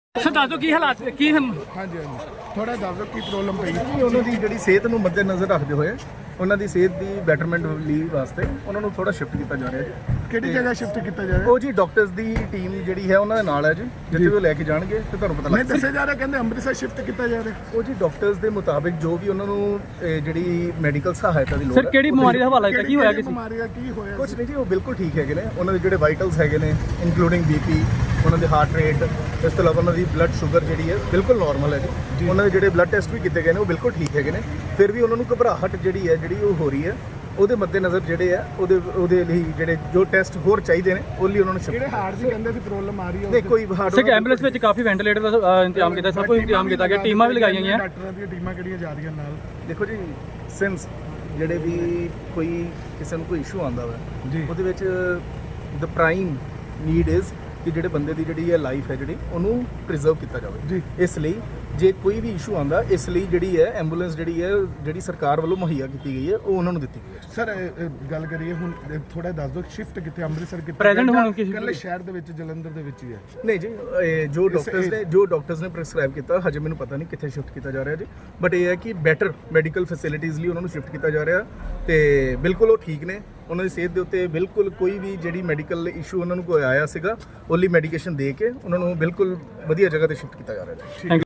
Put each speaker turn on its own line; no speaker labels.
Sir ਦੱਸ ਦਿਓ ਕੀ ਹਾਲਾਤ ਕੀ
ਹਾਂਜੀ ਥੋੜਾ ਦੱਸ ਦਿਓ ਕੀ ਪ੍ਰੋਬਲਮ ਪਈ।
ਉਹਨਾਂ ਦੀ ਜਿਹੜੀ ਸਿਹਤ ਨੂੰ ਮੱਦੇ ਨਜ਼ਰ ਰੱਖਦੇ ਹੋਏ ਉਹਨਾਂ ਦੀ ਸਿਹਤ ਦੀ ਬੈਟਰਮੈਂਟ ਲਈ ਵਾਸਤੇ ਉਹਨਾਂ ਨੂੰ ਥੋੜਾ ਸ਼ਿਫਟ ਕੀਤਾ ਜਾ ਰਿਹਾ ਜੀ।
ਕਿਹੜੀ ਜਗ੍ਹਾ ਸ਼ਿਫਟ ਕੀਤਾ ਜਾ ਰਿਹਾ?
ਉਹ ਜੀ ਡਾਕਟਰਸ ਦੀ ਟੀਮ ਜਿਹੜੀ ਹੈ ਉਹਨਾਂ ਦੇ ਨਾਲ ਹੈ ਜੀ, ਜਿੱਥੇ ਉਹ ਲੈ ਕੇ ਜਾਣਗੇ ਤੇ ਤੁਹਾਨੂੰ ਪਤਾ
ਨਹੀਂ
ਲੱਗ
ਦੱਸਿਆ ਜਾ ਰਿਹਾ, ਕਹਿੰਦੇ ਅੰਮ੍ਰਿਤਸਰ ਸ਼ਿਫਟ ਕੀਤਾ ਜਾ ਰਿਹਾ।
ਉਹ ਜੀ ਡਾਕਟਰਸ ਦੇ ਮੁਤਾਬਿਕ ਜੋ ਵੀ ਉਹਨਾਂ ਨੂੰ ਜਿਹੜੀ ਮੈਡੀਕਲ ਸਹਾਇਤਾ ਦੀ ਲੋੜ
ਸਰ ਕਿਹੜੀ ਬਿਮਾਰੀ ਦਾ ਹਵਾਲਾ ਦਿੱਤਾ ਕੀ ਹੋਇਆ ਕਿਸੇ
ਬਿਮਾਰੀ ਦਾ ਕੀ ਹੋਇਆ?
ਕੁਝ ਨਹੀਂ ਜੀ, ਉਹ ਬਿਲਕੁਲ ਠੀਕ ਹੈਗੇ ਨੇ। ਉਹਨਾਂ ਦੇ ਜਿਹੜੇ ਵਾਈਟਲਸ ਹੈਗੇ ਨੇ ਇਨਕਲੂਡਿੰਗ ਬੀਪੀ, ਉਹਨਾਂ ਦੇ ਹਾਰਟ ਰੇਟ, ਇਸ ਤੋਂ ਇਲਾਵਾ ਉਹਨਾਂ ਦੀ ਬਲੱਡ ਸ਼ੂਗਰ ਜਿਹੜੀ ਹੈ ਬਿਲਕੁਲ ਨਾਰਮਲ ਹੈ ਜੀ। ਉਹਨਾਂ ਦੇ ਜਿਹੜੇ ਬਲੱਡ ਟੈਸਟ ਵੀ ਕੀਤੇ ਗਏ ਨੇ ਉਹ ਬਿਲਕੁਲ ਠੀਕ ਹੈਗੇ ਨੇ। ਫਿਰ ਵੀ ਉਹਨਾਂ ਨੂੰ ਘਬਰਾਹਟ ਜਿਹੜੀ ਉਹ ਹੋ ਰਹੀ ਹੈ। ਉਹਦੇ ਮੱਦੇ ਨਜ਼ਰ ਜਿਹੜੇ ਆ ਉਹਦੇ ਲਈ ਜਿਹੜੇ ਜੋ ਟੈਸਟ ਹੋਰ ਚਾਹੀਦੇ ਨੇ ਉਹ ਲਈ ਉਹਨਾਂ ਨੂੰ
ਜਿਹੜੇ ਹਾਰਟ ਦੀ ਕਹਿੰਦੇ ਸੀ ਪ੍ਰੋਬਲਮ ਆ ਰਹੀ ਹੈ।
ਨਹੀਂ ਕੋਈ ਹਾਰਟ
ਸਰ ਐਂਬੂਲੈਂਸ ਵਿੱਚ ਕਾਫੀ ਵੈਂਟੀਲੇਟਰ ਦਾ ਇੰਤਜ਼ਾਮ ਕੀਤਾ, ਸਭ ਕੁਝ ਇੰਤਜ਼ਾਮ ਕੀਤਾ ਗਿਆ, ਟੀਮਾਂ ਵੀ ਲਗਾਈਆਂ ਗਈਆਂ।
ਡਾਕਟਰਾਂ ਦੀਆਂ ਟੀਮਾਂ ਕਿਹੜੀਆਂ ਜਾ ਰਹੀਆਂ ਨਾਲ?
ਦੇਖੋ ਜੀ, ਸਿੰਸ ਜਿਹੜੇ ਵੀ ਕੋਈ ਕਿਸੇ ਨੂੰ ਕੋਈ ਇਸ਼ੂ ਆਉਂਦਾ ਵਾ
ਜੀ।
ਉਹਦੇ ਵਿੱਚ ਦ ਪ੍ਰਾਈਮ ਨੀਡ ਇਜ਼ ਕਿ ਜਿਹੜੇ ਬੰਦੇ ਦੀ ਜਿਹੜੀ ਹੈ ਲਾਈਫ ਹੈ ਜਿਹੜੀ ਉਹਨੂੰ ਪ੍ਰੀਜ਼ਰਵ ਕੀਤਾ ਜਾਵੇ
ਜੀ।
ਇਸ ਲਈ ਜੇ ਕੋਈ ਵੀ ਇਸ਼ੂ ਆਉਂਦਾ ਇਸ ਲਈ ਜਿਹੜੀ ਹੈ ਐਂਬੂਲੈਂਸ ਜਿਹੜੀ ਸਰਕਾਰ ਵੱਲੋਂ ਮੁਹੱਈਆ ਕੀਤੀ ਗਈ ਹੈ ਉਹ ਉਹਨਾਂ ਨੂੰ ਦਿੱਤੀ ਗਈ ਹੈ।
ਸਰ ਗੱਲ ਕਰੀਏ ਹੁਣ ਥੋੜਾ ਦੱਸ ਦਿਓ ਸ਼ਿਫਟ ਕਿੱਥੇ ਅੰਮ੍ਰਿਤਸਰ ਕਿੱਥੇ
Present ਹੁਣ ਕਿਸੇ
ਇਕੱਲੇ ਸ਼ਹਿਰ ਦੇ ਵਿੱਚ ਜਲੰਧਰ ਦੇ ਵਿੱਚ ਹੀ ਹੈ?
ਨਹੀਂ ਜੀ, ਜੋ ਡਾਕਟਰਸ ਨੇ ਪ੍ਰੈਸਕ੍ਰਾਈਬ ਕੀਤਾ ਹਜੇ ਮੈਨੂੰ ਪਤਾ ਨਹੀਂ ਕਿੱਥੇ ਸ਼ਿਫਟ ਕੀਤਾ ਜਾ ਰਿਹਾ ਜੀ, ਬਟ ਇਹ ਹੈ ਕਿ ਬੈਟਰ ਮੈਡੀਕਲ ਫੈਸਿਲਿਟੀਜ਼ ਲਈ ਉਹਨਾਂ ਨੂੰ ਸ਼ਿਫਟ ਕੀਤਾ ਜਾ ਰਿਹਾ ਤੇ ਬਿਲਕੁਲ ਉਹ ਠੀਕ ਨੇ। ਉਹਨਾਂ ਦੀ ਸਿਹਤ ਦੇ ਉੱਤੇ ਬਿਲਕੁਲ ਕੋਈ ਵੀ ਜਿਹੜੀ ਮੈਡੀਕਲ ਇਸ਼ੂ ਉਹਨਾਂ ਨੂੰ ਕੋਈ ਆਇਆ ਸੀਗਾ ਉਹ ਲਈ ਮੈਡੀਕੇਸ਼ਨ ਦੇ ਕੇ ਉਹਨਾਂ ਨੂੰ ਬਿਲਕੁਲ ਵਧੀਆ ਜਗ੍ਹਾ ਤੇ ਸ਼ਿਫਟ ਕੀਤਾ ਜਾ ਰਿਹਾ ਹੈ।